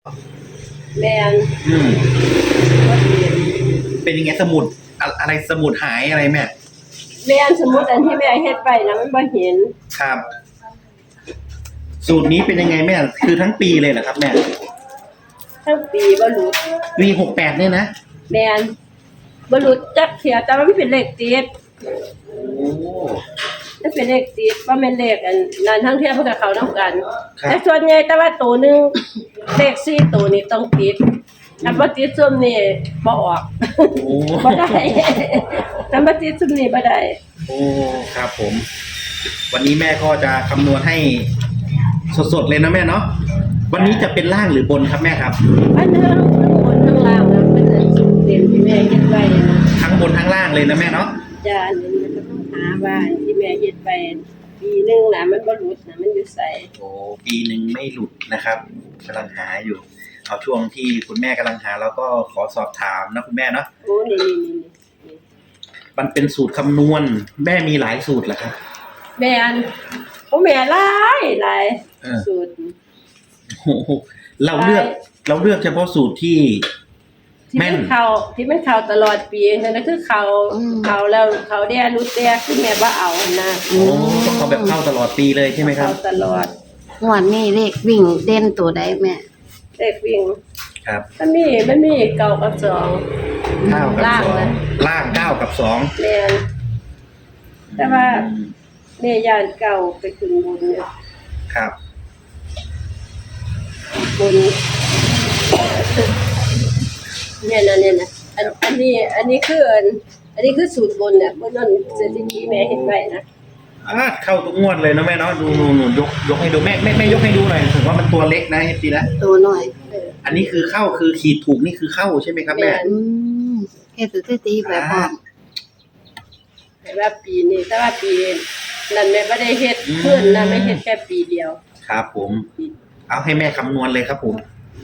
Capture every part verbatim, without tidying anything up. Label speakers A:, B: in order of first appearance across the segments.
A: แม่น
B: อืม
A: บ่เห็น
B: เป็นยังไงสมุดอะอะไรสมุดหายอะไรแม่
A: แม่นสมมุติอันที่แม่เฮ็ดไว้น่ะมันบ่เห็น
B: ครับ สูตรนี้เป็นยังไงแม่คือทั้งปีเลยเหรอครับแม่
A: ทั้งปีบ่หลุด
B: ปีหกแปดเนี่ยนะ
A: แม่นบ่หลุดจักเที่ยแต่ว่ามันเป็นเลขติด
B: โอ้
A: มันเป็นเลขติดบ่แม่นเลขอันนั้นทั้งเที่ยเพิ่นก็เข้านำกันแต่ส่วนใหญ่แต่ว่าตัวนึงเลขสี่ตัวนี้ต้องติดถ้าบ่ติดซุมนี่บ่ออกบ่ได้ถ้าบ่ติดซุมนี่บ่ได้
B: โอ้ครับผมวันนี้แม่ก็จะคำนวณให้สดๆเลยนะแม่เนาะวันนี้จะเป็นล่างหรือบนครับแม่ครับ
A: อันทั้งบนทั้งล่างนะเป็นอันสุดเต็มที่แม่เฮ็ดไว้นะ
B: ทั้งบนทั้งล่างเลยนะแม่เนาะ
A: จ้าอันนี้มันก็ต้องหาว่าที่แม่เฮ็ดไปปีนึงน่ะมันบ่หลุดน่ะมันอยู่ไส
B: โอ้ปีนึงไม่หลุดนะครับกำลังหาอยู่เอาช่วงที่คุณแม่กำลังหาแล้วก็ขอสอบถามนะคุณแม่เนาะ
A: โอ้นี่ๆ
B: ๆมันเป็นสูตรคำนวณแม่มีหลายสูตรเหรอครับ
A: แม่อันโอ้แม่หลายหลายสูตร
B: โอ้เราเลือกเราเลือกเฉพาะสูตรที่
A: แม่นเขาที่มันเขาตลอดปีนั่นก็คือเขาเขาแล้วเขาได้รู้แต่คือแม่บ่เอานะ
B: โอ้เขาแบบเข้าตลอดปีเลยใช่ไหมครับ
A: เข้าตลอด
C: งวดนี้เลขวิ่งเด่นตัวใดแม่
A: เลขวิ่ง
B: ครับ
A: มันมีมันมีเก้ากับสอง
B: เก้ากับสองล่างเก้ากับสอง
A: แม่นแต่ว่าแม่ย่านเก่าไปขึ้นบนเนี่ย
B: ครับ
A: บนเนี่ยนะเนี่ยนะอันอันนี้อันนี้คืออันอันนี้คือสูตรบนเนี่ยบนนั่นสถิติแม่เห็นไว้นะ
B: อ่าเข้าทุกงวดเลยนะแม่เนาะดูหนูหนูยกยกให้ดูแม่แม่แม่ยกให้ดูหน่อยถึงว่ามันตัวเล็กนะเอฟซีนะ
C: ตัวหน่อย
B: อันนี้คือเข้าคือขีดถูกนี่คือเข้าใช่ไหมครับแม่
C: อืมแค่สถิติแบบพร้อม
A: แต่ว่าปีนี้แต่ว่าปีนั้นแม่ไม่ได้เฮ็ดเพิ่นนะไม่เฮ็ดแค่ปีเดียว
B: ครับผมเอาให้แม่คำนวณเลยครับผม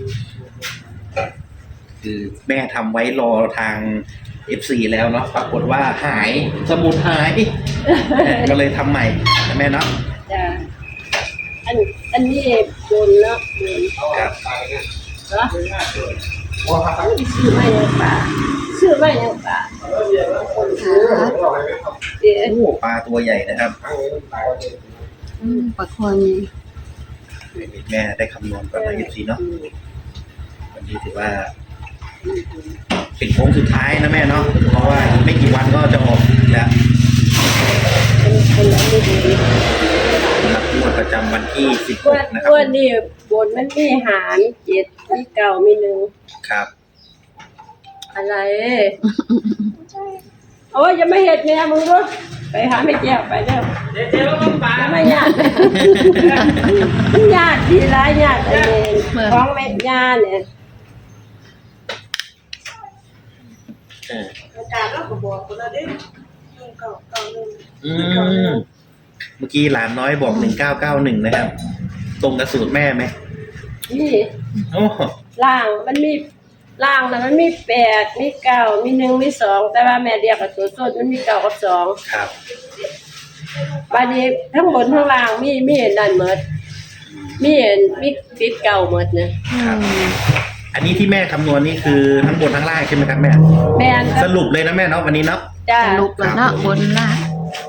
B: คือแม่ทำไว้รอทาง เอฟ ซี แล้วเนาะปรากฏว่าหายสมุดหายก็เลยทำใหม่นะแม่เนาะ
A: จ้ะอันอันนี้บนเนาะบน
B: ครับ
A: เนาะซื้อมาอย่างป่าซื้อมาอย่างป่าคนซื้อ
B: เดี๋ยวปลาตัวใหญ่นะครับ
C: อืมปลาคอน
B: แม่ได้คำนวณก่อนนะ เอฟ ซี เนาะวันนี้ถือว่าเป็นโค้งสุดท้ายนะแม่เนาะเพราะว่าไม่กี่วันก็จะออกแล้วสำหรับงวดประจำวันที่สิบหกนะครับ
A: วันนี้บนมันมีหารเจ็ดมีเก้ามีหนึ่ง
B: ครับ
A: อะไรโอ้ยยังไม่เห็นแม่มึงด้วยไปหาไม่แก้วไปเด้อเดี๋ยวๆต้องปาไม่ยากยากทีไรยากไอ้ของแม่ย่าเนี่ย
B: อาจารย์เราก็บอกคนละเด้หนึ่งเก้าเก้าหนึ่งอืมเมื่อกี้หลานน้อยบอกหนึ่งเก้าเก้าหนึ่งนะครับตรงกับสูตรแม่ไหม
A: นี่
B: โอ้
A: ล่างมันมีล่างนะมันมีแปดมีเก้ามีหนึ่งมีสองแต่ว่าแม่เรียกกับตัวส้นมันมีเก้ากับสอง
B: ครับ
A: บาดนี้ทั้งบนทั้งล่างมีมีนั่นหมดมีมีติดเก่าหมดนะครับ
B: อันนี้ที่แม่คำนวณนี่คือทั้งบนทั้งล่างใช่ไหมครับแม่
A: แม่
B: สรุปเลยนะแม่เนาะวันนี้เนาะ
C: สรุปแล้วเนาะบนล่าง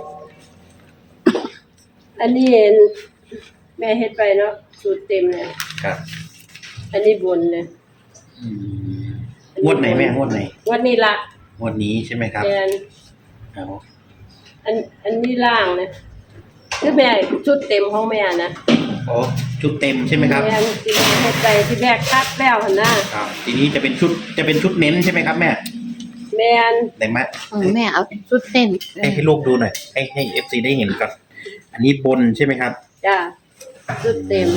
A: อันนี้แม่เฮ็ดไปเนาะสูตรเต็มเลย
B: ครับ
A: อันนี้บนเลย
B: งวดไหนแม่งวดไหน
A: งวดนี้ละ
B: งวดนี้ใช่ไหมครับ
A: แม่อันอันนี้ล่างนะคือแม่ชุดเต็มของแม่นะ
B: โอ้ชุดเต็มใช่ไหมครับ
A: แม่ที่เฮ็ดไปที่แม่คัดแล้วหั่นนะครับ
B: ทีนี้จะเป็นชุดจะเป็นชุดเน้นใช่ไหมครับแม่
A: แม่น
B: ไหนมา
C: แม่เอาชุดเต้น
B: ให้ให้ลูกดูหน่อยให้ให้ เอฟ ซี ได้เห็นก่อนอันนี้บนใช่ไหมครับ
A: จ้าชุดเต็ม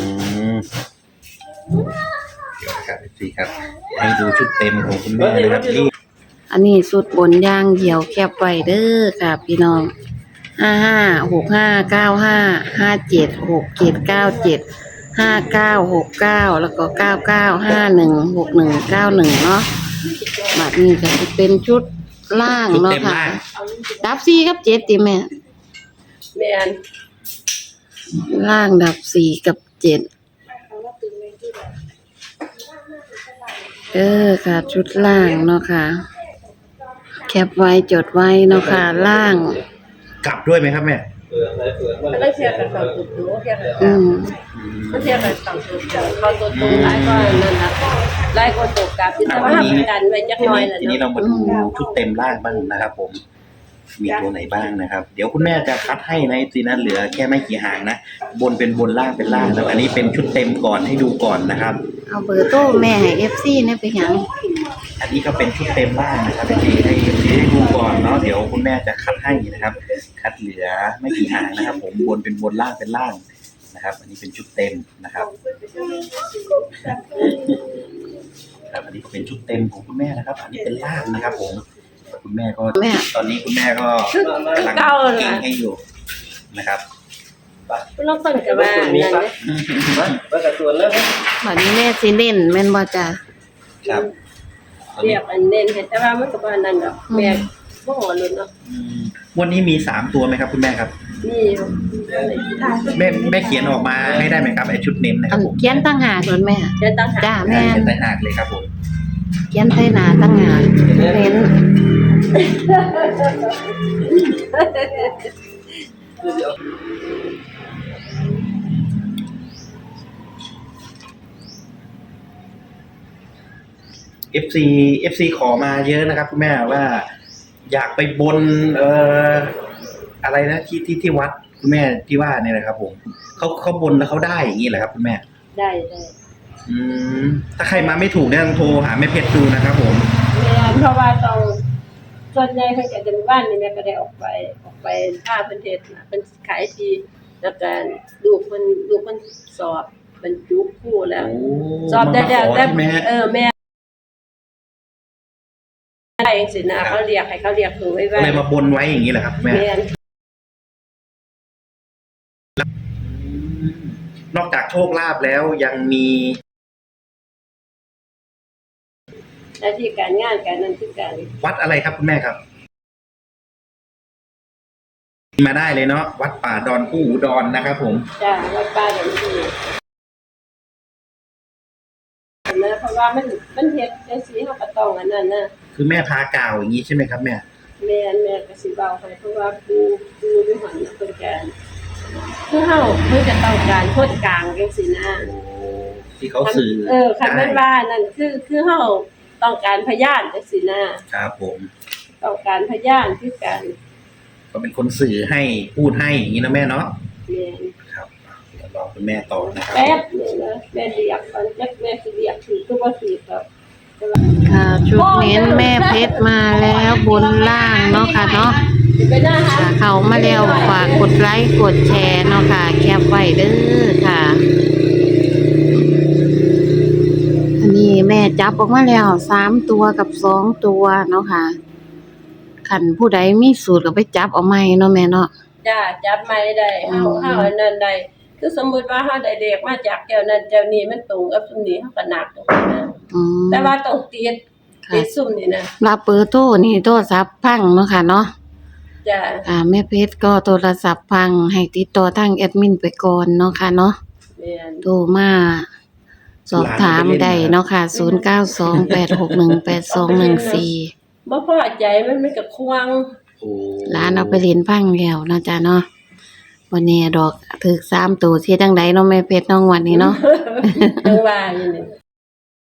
B: เดี๋ยวครับ เอฟ ซี ครับให้ดูชุดเต็มของคุณแม่นะครับที่
C: อันนี้สุดบนย่างเดี่ยวแคบไว้เด้อค่ะพี่น้องห้าห้าหกห้าเก้าห้าห้าเจ็ดหกเจ็ดเก้าเจ็ดห้าเก้าหกเก้าแล้วก็เก้าเก้าห้าหนึ่งหกหนึ่งเก้าหนึ่งเนาะแบบนี้ก็จะเป็นชุดล่างเนาะค่ะดับสี่กับเจ็ดติแม่
A: แม่น
C: ล่างดับสี่กับเจ็ดเด้อค่ะ ชุดล่างเนาะค่ะ แคปไว้จดไว้เนาะค่ะ ล่าง
B: กลับด้วยไหมครับแม่
A: มันต้องเทียบกับเขาตัวตัวเทียบกับ
C: อืม
A: มันเทียบกับเขาตัวตัวเขาตัวตัวหลายกว่านั่นนะหลายกว่าตัวกลับแต่ว่าทำกันไว้จักห
B: ที
A: น่อย
B: นี้
A: น่ะ
B: ทีนี้
A: เนาะ
B: เรามาดูชุดเต็มล่างบ้างนะครับ ผม มีตัวไหนบ้างนะครับ เดี๋ยวคุณแม่จะคัดให้ในทีนั้นเหลือแค่ไม่กี่หางนะบนเป็นบนล่างเป็นล่างแล้วอันนี้เป็นชุดเต็มก่อนให้ดูก่อนนะครับ
C: เอาเบอร์โทรแม่ให้ เอฟ ซี เนี่ยไปหยัง
B: อันนี้ก็เป็นชุดเต็มล่างนะครับที่ให้ที่ให้ดูก่อนเนาะเดี๋ยวคุณแม่จะคัดให้นะครับ คัดเหลือไม่กี่หางนะครับ ผมบนเป็นบนล่างเป็นล่างนะครับ อันนี้เป็นชุดเต็มนะครับครับอันนี้ก็เป็นชุดเต็มของคุณแม่นะครับ อันนี้เป็นล่างนะครับ ผมคุณแม่ก็
C: แม่
B: ตอนนี้คุณแม่ก็กำลังเก่งให้อยู่นะครับ
A: เราต้นกับว่านั่นเลย
C: บัดนี้แม่สิเน้นแม่นบ่จ้ะ
B: ครับ
A: เรียกอันเน้นให้แต่ว่ามันก็บ่นั่นดอกแม่บ่หัวลุ้นเนาะ
B: อืมวันนี้มีสามตัวไหมครับคุณแม่ครับ
A: นี่อยู่
B: แม่แม่เขียนออกมาให้ได้ไหมครับไอชุดเน้นนะค
C: อั
B: รับ
C: น
B: ผม
C: เขียนตั้งหากเลยแม่
A: เดี๋ยวตั้งหา
C: จ้าแม่
B: เขียนใต้หากเลยครับผม
C: เขียนใส่หน้าตั้งหากเน้น
B: เอฟซี เอฟซี ขอมาเยอะนะครับคุณแม่ว่า อยากไปบนเอ่ออะไรนะที่ที่ที่วัดคุณแม่ที่ว่าเนี่ยนะครับ ผมเขาเขาบนแล้วเขาได้อย่างนี้เหรอครับคุณแม่
A: ได้ได้
B: อืมถ้าใครมาไม่ถูกเนี่ยต้องโทรหาแม่เพชรดูนะครับ ผม
A: แม่นเพราะว่าต้องส่วนใหญ่เพิ่นก็จะบ้านนี่แม่ก็ได้ออกไปออกไปท่าเพิ่นเฮ็ดน่ะเพิ่นขายที่แล้วก็ลูกเพิ่นลูกเพิ่นสอบบรรจุครูแล้ว
B: โอ้
A: สอบได้
B: มา
A: แล้ว
B: ขอ
A: แต่
B: ใช่ไหมฮะ
A: เออแม่ได้จังซี่นะเขาเรียกให้เขาเรียกหนูไว้
B: ก็
A: ว่า
B: เลยมาบนไว้อย่างนี้แหละครับคุณแม่
A: แม่น
B: นอกจากโชคลาภแล้วยังมี
A: หน้าที่การงานการนั้นคือการ
B: วัดอะไรครับคุณแม่ครับ มาได้เลยเนาะวัดป่าดอนผู้หูดอนนะครับ ผม
A: จ้าวัดป้าเดี๋ยวนี้นะเพราะว่ามันมันเฮ็ดจังซี่เฮาก็ต้องอันนั้นนะ
B: คือแม่พากล่าวอย่างนี้ใช่ไหมครับแม่
A: แม่นแม่ก็สิเว้าให้เพราะว่าครูครูอยู่หั่นน่ะเพิ่นก็คือเฮาเพิ่นจะต้องการคนกลางจังซี่นะ
B: ที่เขาสื่อ
A: เออคันแม่นว่านั่นคือคือเฮาต้องการพยานจังซี่นะครับ
B: ผม
A: ต้องการพยานคือการ
B: ก็เป็นคนสื่อให้พูดให้อย่างนี้นะแม่เนาะ
A: แม่น
B: ครับเดี๋ยวรอคุณแม่ต่อนะครับ
A: แป๊บนึงนะแม่เรียกก่อนจักแม่สิเรียกถือก็บ่ถือครับ
C: ค่ะชุดเน้นแม่เพชรมาแล้วบนล่างเนาะค่ะเนาะ
A: ไปหน้าหา
C: ค่ะเขามาแล้วฝากกดไลค์กดแชร์เนาะค่ะ แคปไว้เด้อค่ะ อันนี้แม่จับออกมาแล้วสามตัวกับสองตัวเนาะค่ะขันผู้ใดมีสูตรก็ไปจับเอาใหม่เนาะแม่เนาะ
A: จ้าจับไม้ได้เฮา
C: อืม
A: เฮาอันนั้นได้คือสมมุติว่าเฮาได้เด็กมาจากแก้วนั้นแก้วนี้มันตรงกับซุมนี้เฮาก็นับตรงนั้นนะ
C: อืม
A: แต่ว่าต้องติด
C: ค่ะ
A: ติดซุมนี่นะ
C: รับเบอร์โทรนี่โทรศัพท์พังเนาะค่ะเนาะ
A: จ้า
C: อ่าแม่เพชรก็โทรศัพท์พังให้ติดต่อทางแอดมินไปก่อนเนาะค่ะเนาะ
A: แม่น
C: โทรมาสอบถามได้เนาะค่ะ ศูนย์ เก้า สอง แปด หก หนึ่ง แปด สอง หนึ่ง สี่
A: บ่พอใจมันมันก็ควง
B: โอ้
C: ร้านเอาไปเรียนพังแล้วเนาะจ้ะเนาะวันนี้ดอกถึกสามตัวที่จังไดเนาะแม่เพชรน้องวันนี้เนาะ
A: จังว่าอยู่นี่